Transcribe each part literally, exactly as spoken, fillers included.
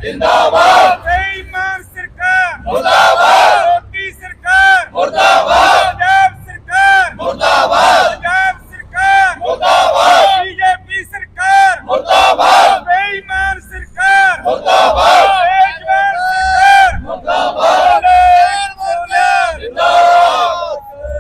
जिंदाबाद बेईमान सरकार मुर्दाबाद मोदी सरकार मुर्दाबाद पंजाब सरकार मुर्दाबाद पंजाब सरकार मुर्दाबाद बीजेपी सरकार मुर्दाबाद बेईमान सरकार मुर्दाबाद बेईमान सरकार मुर्दाबाद जिंदाबाद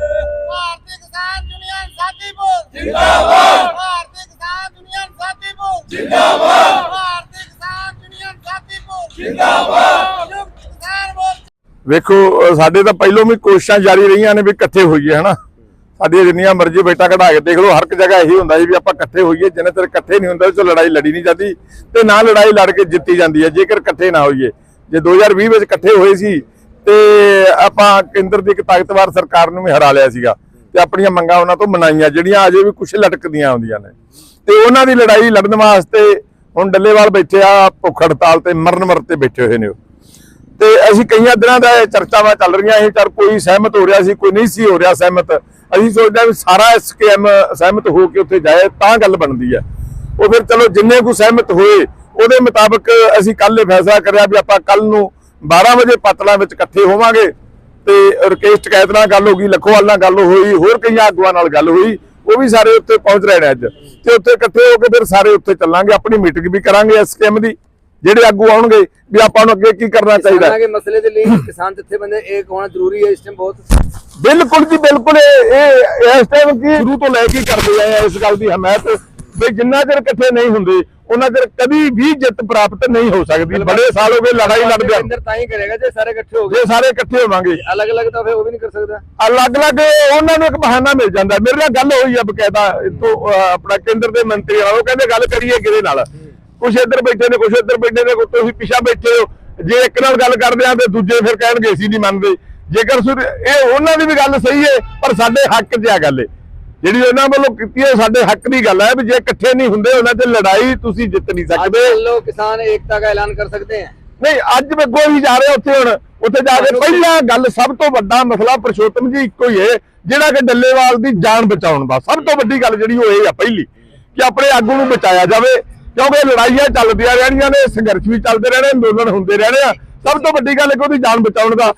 भारतीय किसान यूनियन साथीपुर जिंदाबाद भारतीय किसान यूनियन साथीपुर जिंदाबाद भारतीय किसान यूनियन साथीपुर जिंदाबाद संयुक्त किसान मोर्चा। ਵੇਖੋ ਸਾਡੇ ਤਾਂ ਪਹਿਲੋਂ ਵੀ ਕੋਸ਼ਿਸ਼ਾਂ ਜਾਰੀ ਰਹੀਆਂ ਨੇ ਵੀ ਇਕੱਠੇ ਹੋਈਏ ਹਨਾ। ਸਾਡੀਆਂ ਜਿੰਨੀਆਂ ਮਰਜ਼ੀ ਬੇਟਾ ਕਢਾ ਕੇ ਦੇਖ ਲਓ, ਹਰ ਇੱਕ ਜਗ੍ਹਾ ਇਹੀ ਹੁੰਦਾ ਜੀ ਵੀ ਆਪਾਂ ਇਕੱਠੇ ਹੋਈਏ। ਜਿੰਨੇ ਚਿਰ ਇਕੱਠੇ ਨਹੀਂ ਹੁੰਦੇ ਉਹ ਲੜਾਈ ਲੜੀ ਨਹੀਂ ਜਾਂਦੀ ਤੇ ਨਾ ਲੜਾਈ ਲੜ ਕੇ ਜਿੱਤੀ ਜਾਂਦੀ ਹੈ ਜੇਕਰ ਇਕੱਠੇ ਨਾ ਹੋਈਏ। ਜੇ ਦੋ ਹਜ਼ਾਰ ਵੀਹ ਵਿੱਚ ਇਕੱਠੇ ਹੋਏ ਸੀ ਤੇ ਆਪਾਂ ਕੇਂਦਰ ਦੀ ਇੱਕ ਤਾਕਤਵਰ ਸਰਕਾਰ ਨੂੰ ਵੀ ਹਰਾ ਲਿਆ ਸੀਗਾ ਤੇ ਆਪਣੀਆਂ ਮੰਗਾਂ ਉਹਨਾਂ ਤੋਂ ਮਨਾਈਆਂ ਜਿਹੜੀਆਂ ਅਜੇ ਵੀ ਕੁਛ ਲਟਕਦੀਆਂ ਆਉਂਦੀਆਂ ਨੇ ਤੇ ਉਹਨਾਂ ਦੀ ਲੜਾਈ ਲੜਨ ਵਾਸਤੇ ਹੁਣ ਡੱਲੇਵਾਲ ਬੈਠੇ ਆ ਭੁੱਖ ਹੜਤਾਲ ਤੇ ਮਰਨ ਮਰ ਤੇ ਬੈਠੇ ਹੋਏ ਨੇ। ਤੇ ਅਸੀਂ ਕਈਆਂ ਦਿਨਾਂ ਦਾ ਇਹ ਚਰਚਾਵਾਂ ਚੱਲ ਰਹੀਆਂ ਇਹ ਚਰ ਕੋਈ ਸਹਿਮਤ ਹੋ ਰਿਹਾ ਸੀ, ਕੋਈ ਨਹੀਂ ਸੀ ਹੋ ਰਿਹਾ ਸਹਿਮਤ। ਅਸੀਂ ਸੋਚਦੇ ਵੀ ਸਾਰਾ ਐਸਕੇਐਮ ਸਹਿਮਤ ਹੋ ਕੇ ਉੱਥੇ ਜਾਏ ਤਾਂ ਗੱਲ ਬਣਦੀ ਹੈ। ਉਹ ਫਿਰ ਚਲੋ ਜਿੰਨੇ ਕੁ ਸਹਿਮਤ ਹੋਏ ਉਹਦੇ ਮੁਤਾਬਕ ਅਸੀਂ ਕੱਲ ਇਹ ਫੈਸਲਾ ਕਰਿਆ ਵੀ ਆਪਾਂ ਕੱਲ ਨੂੰ ਬਾਰਾਂ ਵਜੇ ਪਤਲਾ ਵਿੱਚ ਇਕੱਠੇ ਹੋਵਾਂਗੇ ਤੇ ਰਕੇਸ਼ ਟਕੈਤ ਨਾਲ ਗੱਲ ਹੋ ਗਈ, ਲੱਖੋਵਾਲ ਨਾਲ ਗੱਲ ਹੋਈ, ਹੋਰ ਕਈਆਂ ਆਗੂਆਂ ਨਾਲ ਗੱਲ ਹੋਈ, ਉਹ ਵੀ ਸਾਰੇ ਉੱਥੇ ਪਹੁੰਚ ਰਹੇ ਨੇ ਅੱਜ ਤੇ ਉੱਥੇ ਇਕੱਠੇ ਹੋ ਕੇ ਫਿਰ ਸਾਰੇ ਉੱਥੇ ਚੱਲਾਂਗੇ। ਆਪਣੀ ਮੀਟਿੰਗ ਵੀ ਕਰਾਂਗੇ ਐਸਕੇਐਮ ਦੀ, ਜਿਹੜੇ ਆਗੂ ਆਉਣਗੇ ਵੀ ਆਪਾਂ ਨੂੰ ਅੱਗੇ ਕੀ ਕਰਨਾ ਚਾਹੀਦਾ ਕਿਸਾਨਾਂ ਦੇ ਮਸਲੇ ਦੇ ਲਈ ਕਿਸਾਨ ਜਥੇਬੰਦੀ ਇੱਕ ਹੋਣਾ ਜ਼ਰੂਰੀ ਹੈ ਇਸ ਟਾਈਮ ਬਹੁਤ। ਬਿਲਕੁਲ ਜੀ ਬਿਲਕੁਲ। ਇਹ ਇਸ ਟਾਈਮ ਕੀ ਸ਼ੁਰੂ ਤੋਂ ਲੈ ਕੇ ਕਰਦੇ ਆਏ ਆ ਇਸ ਗੱਲ ਦੀ ਹਮਾਇਤ ਵੀ ਜਿੰਨਾ ਚਿਰ ਇਕੱਠੇ ਨਹੀਂ ਹੁੰਦੇ ਉਹਨਾਂ ਚਿਰ ਕਦੀ ਵੀ ਜਿੱਤ ਪ੍ਰਾਪਤ ਨਹੀਂ ਹੋ ਸਕਦੀ। ਬੜੇ ਸਾਲ ਹੋ ਗਏ ਲੜਾਈ ਲੜਦੇ ਅੰਦਰ ਤਾਂ ਹੀ ਕਰੇਗਾ ਜੇ ਸਾਰੇ ਇਕੱਠੇ ਹੋ ਗਏ। ਜੇ ਸਾਰੇ ਇਕੱਠੇ ਹੋਵਾਂਗੇ ਅਲੱਗ ਅਲੱਗ ਤਾਂ ਫਿਰ ਉਹ ਵੀ ਨਹੀਂ ਕਰ ਸਕਦਾ। ਅਲੱਗ-ਅਲੱਗ ਉਹਨਾਂ ਨੂੰ ਇੱਕ ਬਹਾਨਾ ਮਿਲ ਜਾਂਦਾ। ਮੇਰੇ ਨਾਲ ਗੱਲ ਹੋਈ ਆ ਬਕਾਇਦਾ ਇੱਥੋਂ ਆਪਣਾ ਕੇਂਦਰ ਦੇ ਮੰਤਰੀ ਨਾਲ, ਉਹ ਕਹਿੰਦੇ ਗੱਲ ਕਰੀਏ ਕਿਹਦੇ ਨਾਲ, ਕੁਛ ਇੱਧਰ ਬੈਠੇ ਨੇ ਕੁਛ ਇੱਧਰ ਬੈਠੇ ਨੇ, ਤੁਸੀਂ ਪਿੱਛਾ ਬੈਠੇ ਹੋ। ਜੇ ਇੱਕ ਨਾਲ ਗੱਲ ਕਰਦੇ ਆ ਤੇ ਦੂਜੇ ਫਿਰ ਕਹਿਣਗੇ ਅਸੀਂ ਨਹੀਂ ਮੰਨਦੇ। ਜੇਕਰ ਇਹ ਉਹਨਾਂ ਦੀ ਵੀ ਗੱਲ ਸਹੀ ਹੈ ਪਰ ਸਾਡੇ ਹੱਕ 'ਚ ਆ ਗੱਲ ਜਿਹੜੀ ਉਹਨਾਂ ਵੱਲੋਂ ਕੀਤੀ ਹੈ, ਸਾਡੇ ਹੱਕ ਦੀ ਗੱਲ ਹੈ ਵੀ ਜੇ ਇਕੱਠੇ ਨਹੀਂ ਹੁੰਦੇ ਉਹਨਾਂ 'ਚ ਲੜਾਈ ਤੁਸੀਂ ਜਿੱਤ ਨਹੀਂ ਸਕਦੇ। ਲੋਕ ਕਿਸਾਨ ਏਕਤਾ ਦਾ ਐਲਾਨ ਕਰ ਸਕਦੇ ਹੈ। ਨਹੀਂ ਅੱਜ ਵੇਖੋ ਹੀ ਜਾ ਰਹੇ ਉੱਥੇ, ਹੁਣ ਉੱਥੇ ਜਾ ਕੇ ਪਹਿਲਾਂ ਗੱਲ ਸਭ ਤੋਂ ਵੱਡਾ ਮਸਲਾ ਪੁਰਸ਼ੋਤਮ ਜੀ ਇੱਕੋ ਹੀ ਹੈ ਜਿਹੜਾ ਕਿ ਡੱਲੇਵਾਲ ਦੀ ਜਾਨ ਬਚਾਉਣ ਦਾ ਸਭ ਤੋਂ ਵੱਡੀ ਗੱਲ ਜਿਹੜੀ ਉਹ ਇਹ ਆ ਪਹਿਲੀ ਕਿ ਆਪਣੇ ਆਗੂ ਨੂੰ ਬਚਾਇਆ ਜਾਵੇ, ਕਿਉਂਕਿ ਲੜਾਈਆਂ ਚੱਲਦੀਆਂ ਰਹਿਣੀਆਂ ਨੇ, ਸੰਘਰਸ਼ ਵੀ ਚੱਲਦੇ ਰਹਿਣੇ, ਅੰਦੋਲਨ ਹੁੰਦੇ ਰਹਿਣੇ ਆ। ਸਭ ਤੋਂ ਵੱਡੀ ਗੱਲ ਹੈ ਕਿ ਉਹਦੀ ਜਾਨ ਬਚਾਉਣ ਦਾ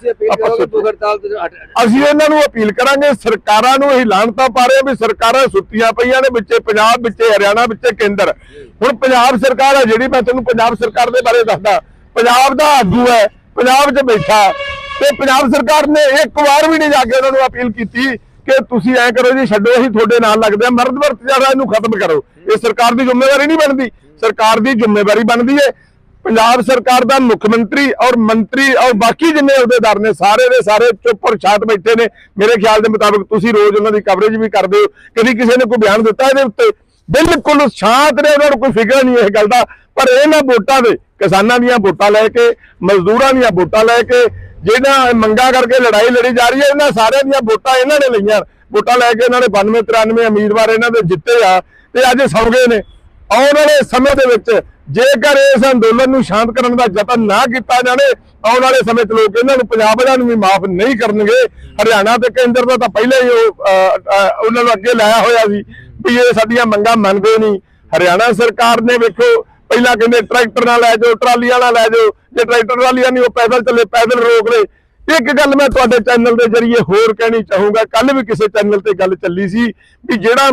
ਅਸੀਂ ਇਹਨਾਂ ਨੂੰ ਅਪੀਲ ਕਰਾਂਗੇ। ਸਰਕਾਰਾਂ ਨੂੰ ਇਹ ਲਾਹਨਤਾਂ ਪਾ ਰਹੇ ਵੀ ਸਰਕਾਰਾਂ ਸੁੱਤੀਆਂ ਪਈਆਂ ਨੇ, ਵਿੱਚੇ ਪੰਜਾਬ, ਵਿੱਚੇ ਹਰਿਆਣਾ, ਵਿੱਚੇ ਕੇਂਦਰ। ਹੁਣ ਪੰਜਾਬ ਸਰਕਾਰ ਹੈ ਜਿਹੜੀ, ਮੈਂ ਤੁਹਾਨੂੰ ਪੰਜਾਬ ਸਰਕਾਰ ਦੇ ਬਾਰੇ ਦੱਸਦਾ, ਪੰਜਾਬ ਦਾ ਆਗੂ ਹੈ, ਪੰਜਾਬ 'ਚ ਬੈਠਾ ਤੇ ਪੰਜਾਬ ਸਰਕਾਰ ਨੇ ਇੱਕ ਵਾਰ ਵੀ ਨਹੀਂ ਜਾ ਕੇ ਉਹਨਾਂ ਨੂੰ ਅਪੀਲ ਕੀਤੀ ਕਿ ਤੁਸੀਂ ਐਂ ਕਰੋ ਜੀ, ਛੱਡੋ ਅਸੀਂ ਤੁਹਾਡੇ ਨਾਲ ਲੱਗਦੇ ਆ, ਮਰਦ ਵਰਤ ਜਿਹੜਾ ਇਹਨੂੰ ਖਤਮ ਕਰੋ। ਇਹ ਸਰਕਾਰ ਦੀ ਜ਼ਿੰਮੇਵਾਰੀ ਨਹੀਂ ਬਣਦੀ, ਸਰਕਾਰ ਦੀ ਜ਼ਿੰਮੇਵਾਰੀ ਬਣਦੀ ਹੈ ਪੰਜਾਬ ਸਰਕਾਰ ਦਾ ਮੁੱਖ ਮੰਤਰੀ ਔਰ ਮੰਤਰੀ ਔਰ ਬਾਕੀ ਜਿੰਨੇ ਅਹੁਦੇਦਾਰ ਨੇ ਸਾਰੇ ਦੇ ਸਾਰੇ ਚੁੱਪ ਔਰ ਸ਼ਾਂਤ ਬੈਠੇ ਨੇ। ਮੇਰੇ ਖਿਆਲ ਦੇ ਮੁਤਾਬਕ ਤੁਸੀਂ ਰੋਜ਼ ਉਹਨਾਂ ਦੀ ਕਵਰੇਜ ਵੀ ਕਰਦੇ ਹੋ, ਕਦੀ ਕਿਸੇ ਨੇ ਕੋਈ ਬਿਆਨ ਦਿੱਤਾ ਇਹਦੇ ਉੱਤੇ? ਬਿਲਕੁਲ ਸ਼ਾਂਤ ਨੇ, ਉਹਨਾਂ ਨੂੰ ਕੋਈ ਫਿਕਰ ਨਹੀਂ ਇਹ ਗੱਲ ਦਾ। ਪਰ ਇਹਨਾਂ ਵੋਟਾਂ ਦੇ, ਕਿਸਾਨਾਂ ਦੀਆਂ ਵੋਟਾਂ ਲੈ ਕੇ, ਮਜ਼ਦੂਰਾਂ ਦੀਆਂ ਵੋਟਾਂ ਲੈ ਕੇ, ਜਿਹਨਾਂ ਮੰਗਾਂ ਕਰਕੇ ਲੜਾਈ ਲੜੀ ਜਾ ਰਹੀ ਹੈ, ਇਹਨਾਂ ਸਾਰਿਆਂ ਦੀਆਂ ਵੋਟਾਂ ਇਹਨਾਂ ਨੇ ਲਈਆਂ। ਵੋਟਾਂ ਲੈ ਕੇ ਇਹਨਾਂ ਨੇ ਬਾਨਵੇਂ ਤਰਾਨਵੇਂ ਉਮੀਦਵਾਰ ਇਹਨਾਂ ਦੇ ਜਿੱਤੇ ਆ ਤੇ ਅੱਜ ਸੌ ਗਏ ਨੇ। ਆਉਣ ਵਾਲੇ ਸਮੇਂ ਦੇ ਵਿੱਚ ਜੇਕਰ ਇਸ ਅੰਦੋਲਨ ਨੂੰ ਸ਼ਾਂਤ ਕਰਨ ਦਾ ਯਤਨ ਨਾ ਕੀਤਾ ਜਾਵੇ, ਆਉਣ ਵਾਲੇ ਸਮੇਂ 'ਚ ਲੋਕ ਇਹਨਾਂ ਨੂੰ ਪੰਜਾਬ ਵਾਲਿਆਂ ਨੂੰ ਵੀ ਮਾਫ ਨਹੀਂ ਕਰਨਗੇ। ਹਰਿਆਣਾ ਤੇ ਕੇਂਦਰ ਦਾ ਤਾਂ ਪਹਿਲਾਂ ਹੀ ਉਹ ਉਹਨਾਂ ਨੂੰ ਅੱਗੇ ਲਾਇਆ ਹੋਇਆ ਸੀ ਵੀ ਇਹ ਸਾਡੀਆਂ ਮੰਗਾਂ ਮੰਨਦੇ ਨਹੀਂ। ਹਰਿਆਣਾ ਸਰਕਾਰ ਨੇ ਵੇਖੋ ਪਹਿਲਾਂ ਕਹਿੰਦੇ ਟਰੈਕਟਰ ਨਾਲ ਲੈ ਜਾਓ, ਟਰਾਲੀਆਂ ਨਾਲ ਲੈ ਜਾਓ, ਜੇ ਟਰੈਕਟਰ ਟਰਾਲੀਆਂ ਨਹੀਂ ਉਹ ਪੈਦਲ ਚੱਲੇ, ਪੈਦਲ ਰੋਕ ਲਏ। ਇੱਕ ਗੱਲ ਮੈਂ ਤੁਹਾਡੇ ਚੈਨਲ ਦੇ ਜ਼ਰੀਏ ਹੋਰ ਕਹਿਣੀ ਚਾਹੂੰਗਾ, ਕੱਲ ਵੀ ਕਿਸੇ ਚੈਨਲ ਤੇ ਗੱਲ ਚੱਲੀ ਸੀ ਵੀ ਜਿਹੜਾ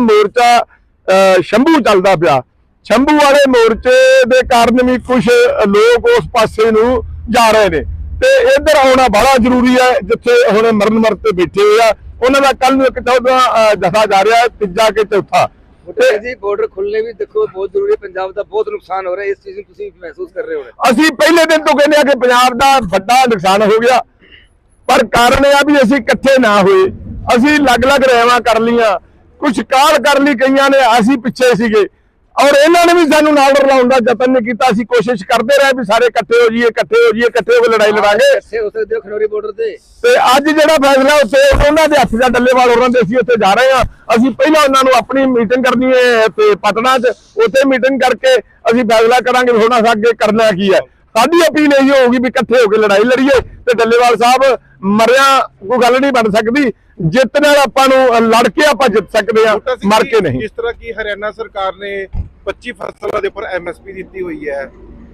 ਮੋਰਚਾ ਸ਼ੰਭੂ ਚੱਲਦਾ ਪਿਆ, ਸ਼ੰਭੂ ਵਾਲੇ ਮੋਰਚੇ ਦੇ ਕਾਰਨ ਵੀ ਕੁਝ ਲੋਕ ਉਸ ਪਾਸੇ ਨੂੰ ਜਾ ਰਹੇ ਨੇ ਤੇ ਇੱਧਰ ਆਉਣਾ ਬੜਾ ਜ਼ਰੂਰੀ ਹੈ ਜਿੱਥੇ ਹੁਣ ਮਰਨ ਮਰ ਤੇ ਬੈਠੇ ਹੋਏ ਆ। ਉਹਨਾਂ ਦਾ ਕੱਲ ਨੂੰ ਇੱਕ ਚੌਥਾ ਦਫਾ ਜਾ ਰਿਹਾ, ਤੀਜਾ ਕਿ ਚੌਥਾ। ਜੀ ਬਾਰਡਰ ਖੁੱਲਣੇ ਵੀ ਦੇਖੋ ਬਹੁਤ ਜ਼ਰੂਰੀ ਹੈ, ਪੰਜਾਬ ਦਾ ਬਹੁਤ ਨੁਕਸਾਨ ਹੋ ਰਿਹਾ, ਇਸ ਚੀਜ਼ ਨੂੰ ਤੁਸੀਂ ਮਹਿਸੂਸ ਕਰ ਰਹੇ ਹੋ? ਅਸੀਂ ਪਹਿਲੇ ਦਿਨ ਤੋਂ ਕਹਿੰਦੇ ਆ ਕਿ ਪੰਜਾਬ ਦਾ ਵੱਡਾ ਨੁਕਸਾਨ ਹੋ ਗਿਆ, ਪਰ ਕਾਰਨ ਇਹ ਆ ਵੀ ਅਸੀਂ ਇਕੱਠੇ ਨਾ ਹੋਏ। ਅਸੀਂ ਅਲੱਗ-ਅਲੱਗ ਰਹਿਵਾਂ ਕਰ ਲੀਆਂ, ਕੁਝ ਕਾਲ ਕਰ ਲਈ ਕਈਆਂ ਨੇ, ਅਸੀਂ ਪਿੱਛੇ ਸੀਗੇ ਔਰ ਇਹਨਾਂ ਨੇ ਵੀ ਸਾਨੂੰ ਨਾਲ ਰਲਾਉਣ ਦਾ ਯਤਨ ਨਹੀਂ ਕੀਤਾ। ਅਸੀਂ ਕੋਸ਼ਿਸ਼ ਕਰਦੇ ਰਹੇ ਵੀ ਸਾਰੇ ਇਕੱਠੇ ਹੋ ਜਾਈਏ, ਇਕੱਠੇ ਹੋ ਜਾਈਏ, ਇਕੱਠੇ ਹੋ ਕੇ ਲੜਾਈ ਲੜਾਂਗੇ। ਹੋ ਸਕਦੇ ਹੋ ਖਨੌਰੀ ਬਾਰਡਰ ਤੇ ਤੇ ਅੱਜ ਜਿਹੜਾ ਫੈਸਲਾ ਉੱਥੇ ਉਹਨਾਂ ਦੇ ਹੱਥ ਦਾ ਡੱਲੇਵਾਲ ਹੋਰਾਂ ਦੇ ਅਸੀਂ ਉੱਥੇ ਜਾ ਰਹੇ ਹਾਂ। ਅਸੀਂ ਪਹਿਲਾਂ ਉਹਨਾਂ ਨੂੰ ਆਪਣੀ ਮੀਟਿੰਗ ਕਰਨੀ ਹੈ ਤੇ ਪਟਨਾ 'ਚ, ਉੱਥੇ ਮੀਟਿੰਗ ਕਰਕੇ ਅਸੀਂ ਫੈਸਲਾ ਕਰਾਂਗੇ ਵੀ ਹੁਣ ਅੱਗੇ ਕਰਨਾ ਕੀ ਹੈ। ਸਾਡੀ ਅਪੀਲ ਇਹ ਹੋਊਗੀ ਵੀ ਇਕੱਠੇ ਹੋ ਕੇ ਲੜਾਈ ਲੜੀਏ ਤੇ ਡੱਲੇਵਾਲ ਸਾਹਿਬ ਮਰਿਆ ਕੋਈ ਗੱਲ ਨਹੀਂ ਬਣ ਸਕਦੀ, ਜਿੱਤ ਨਾਲ ਆਪਾਂ ਨੂੰ ਲੜ ਕੇ ਆਪਾਂ ਜਿੱਤ ਸਕਦੇ ਆ, ਮਰ ਕੇ ਨਹੀਂ। ਜਿਸ ਤਰ੍ਹਾਂ ਕਿ ਹਰਿਆਣਾ ਸਰਕਾਰ ਨੇ ਪੱਚੀ ਫਸਲਾਂ ਦੇ ਉੱਪਰ ਐਮਐਸਪੀ ਦਿੱਤੀ ਹੋਈ ਹੈ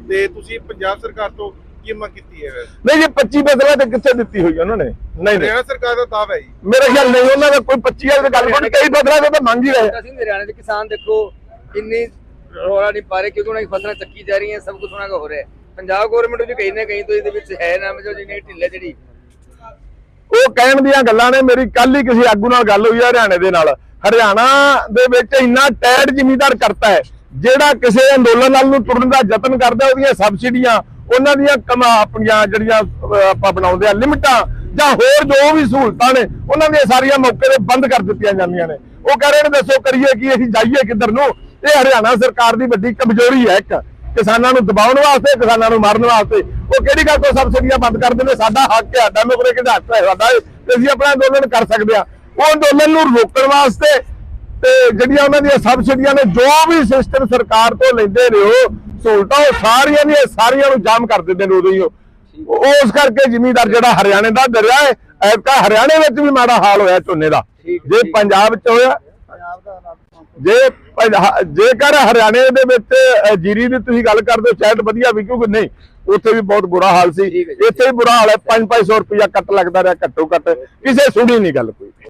ਤੇ ਤੁਸੀਂ ਪੰਜਾਬ ਸਰਕਾਰ ਤੋਂ ਕੀ ਮੰਗ ਕੀਤੀ ਹੈ? ਨਹੀਂ ਜੀ ਪੱਚੀ ਫਸਲਾਂ ਤੇ ਕਿੱਥੇ ਦਿੱਤੀ ਹੋਈ ਉਹਨਾਂ ਨੇ? ਨਹੀਂ ਨਹੀਂ ਹਰਿਆਣਾ ਸਰਕਾਰ ਦਾ ਦਾਅਵਾ ਹੈ ਜੀ। ਮੇਰੇ ਖਿਆਲ ਨਹੀਂ ਉਹਨਾਂ ਦਾ ਕੋਈ ਪੱਚੀ ਵਾਲੀ ਗੱਲ ਕੋਈ ਕਈ ਫਸਲਾਂ ਤੇ ਤਾਂ ਮੰਗ ਹੀ ਰਹੇ। ਅਸੀਂ ਹਰਿਆਣਾ ਦੇ ਕਿਸਾਨ ਦੇਖੋ ਇੰਨੀ ਰੌਲਾ ਨਹੀਂ ਪਾ ਰਹੇ ਕਿਉਂਕਿ ਉਹਨਾਂ ਦੀ ਫਸਲਾਂ ਚੱਕੀ ਜਾ ਰਹੀਆਂ, ਸਭ ਕੁਝ ਉਹਨਾਂ ਦਾ ਹੋ ਰਿਹਾ ਹੈ। ਪੰਜਾਬ ਗਵਰਨਮੈਂਟ ਵੀ ਕहीं ਨਾ ਕहीं ਤੋਂ ਇਹਦੇ ਵਿੱਚ ਹੈ ਨਾ ਜੋ ਜਿਹਨੇ ਢਿੱਲੇ ਜਿਹੜੀ ਉਹ ਕਹਿਣ ਦੀਆਂ ਗੱਲਾਂ ਨੇ। ਮੇਰੀ ਕੱਲ ਹੀ ਕਿਸੇ ਆਗੂ ਨਾਲ ਗੱਲ ਹੋਈ ਹੈ ਹਰਿਆਣੇ ਦੇ ਨਾਲ। ਹਰਿਆਣਾ ਦੇ ਵਿੱਚ ਇੰਨਾ ਟੈਡ ਜ਼ਿਮੀਂਦਾਰ ਕਰਤਾ ਹੈ, ਜਿਹੜਾ ਕਿਸੇ ਅੰਦੋਲਨ ਨਾਲ ਨੂੰ ਤੁਰਨ ਦਾ ਯਤਨ ਕਰਦਾ ਉਹਦੀਆਂ ਸਬਸਿਡੀਆਂ, ਉਹਨਾਂ ਦੀਆਂ ਕਮਾ ਆਪਣੀਆਂ ਜਿਹੜੀਆਂ ਆਪਾਂ ਬਣਾਉਂਦੇ ਆ ਲਿਮਟਾਂ ਜਾਂ ਹੋਰ ਜੋ ਵੀ ਸਹੂਲਤਾਂ ਨੇ ਉਹਨਾਂ ਦੀਆਂ ਸਾਰੀਆਂ ਮੌਕੇ ਤੇ ਬੰਦ ਕਰ ਦਿੱਤੀਆਂ ਜਾਂਦੀਆਂ ਨੇ। ਉਹ ਕਹਿ ਰਹੇ ਨੇ ਦੱਸੋ ਕਰੀਏ ਕੀ, ਅਸੀਂ ਜਾਈਏ ਕਿੱਧਰ ਨੂੰ? ਇਹ ਹਰਿਆਣਾ ਸਰਕਾਰ ਦੀ ਵੱਡੀ ਕਮਜ਼ੋਰੀ ਹੈ, ਇੱਕ ਕਿਸਾਨਾਂ ਨੂੰ ਦਬਾਉਣ ਵਾਸਤੇ, ਕਿਸਾਨਾਂ ਨੂੰ ਮਾਰਨ ਵਾਸਤੇ। ਉਹ ਕਿਹੜੀ ਗੱਲ ਤੋਂ ਸਬਸਿਡੀਆਂ ਬੰਦ ਕਰ ਦਿੰਦੇ? ਸਾਡਾ ਹੱਕ ਹੈ, ਡੈਮੋਕ੍ਰੇਟਿਕ ਹੱਕ ਹੈ ਸਾਡਾ, ਤੇ ਅਸੀਂ ਆਪਣਾ ਅੰਦੋਲਨ ਕਰ ਸਕਦੇ ਹਾਂ। ਉਹ ਅੰਦੋਲਨ ਨੂੰ ਰੋਕਣ ਵਾਸਤੇ ਤੇ ਜਿਹੜੀਆਂ ਉਹਨਾਂ ਦੀਆਂ ਸਬਸਿਡੀਆਂ ਨੇ, ਜੋ ਵੀ ਸਿਸਟਮ ਸਰਕਾਰ ਤੋਂ ਲੈਂਦੇ ਨੇ ਉਹ ਸਹੂਲਤਾਂ, ਉਹ ਸਾਰੀਆਂ ਦੀਆਂ ਸਾਰੀਆਂ ਨੂੰ ਜਾਮ ਕਰ ਦਿੰਦੇ ਨੇ ਉਦੋਂ ਹੀ। ਉਹ ਉਸ ਕਰਕੇ ਜ਼ਿਮੀਂਦਾਰ ਜਿਹੜਾ ਹਰਿਆਣੇ ਦਾ ਡਰਿਆ ਹੈ, ਐਤਕਾਂ ਹਰਿਆਣੇ ਵਿੱਚ ਵੀ ਮਾੜਾ ਹਾਲ ਹੋਇਆ ਝੋਨੇ ਦਾ। ਜੇ ਪੰਜਾਬ 'ਚ ਹੋਇਆ, ਜੇ ਜੇਕਰ ਹਰਿਆਣੇ ਦੇ ਵਿੱਚ ਜੀਰੀ ਦੀ ਤੁਸੀਂ ਗੱਲ ਕਰਦੇ ਹੋ ਸ਼ਾਇਦ ਵਧੀਆ ਵੀ, ਕਿਉਂਕਿ ਨਹੀਂ ਉੱਥੇ ਵੀ ਬਹੁਤ ਬੁਰਾ ਹਾਲ ਸੀ, ਇੱਥੇ ਵੀ ਬੁਰਾ ਹਾਲ ਹੈ। ਪੰਜ ਪੰਜ ਸੌ ਰੁਪਇਆ ਕੱਟ ਲੱਗਦਾ ਰਿਹਾ ਘੱਟੋ ਘੱਟ, ਕਿਸੇ ਸੁਣੀ ਨਹੀਂ ਗੱਲ ਕੋਈ।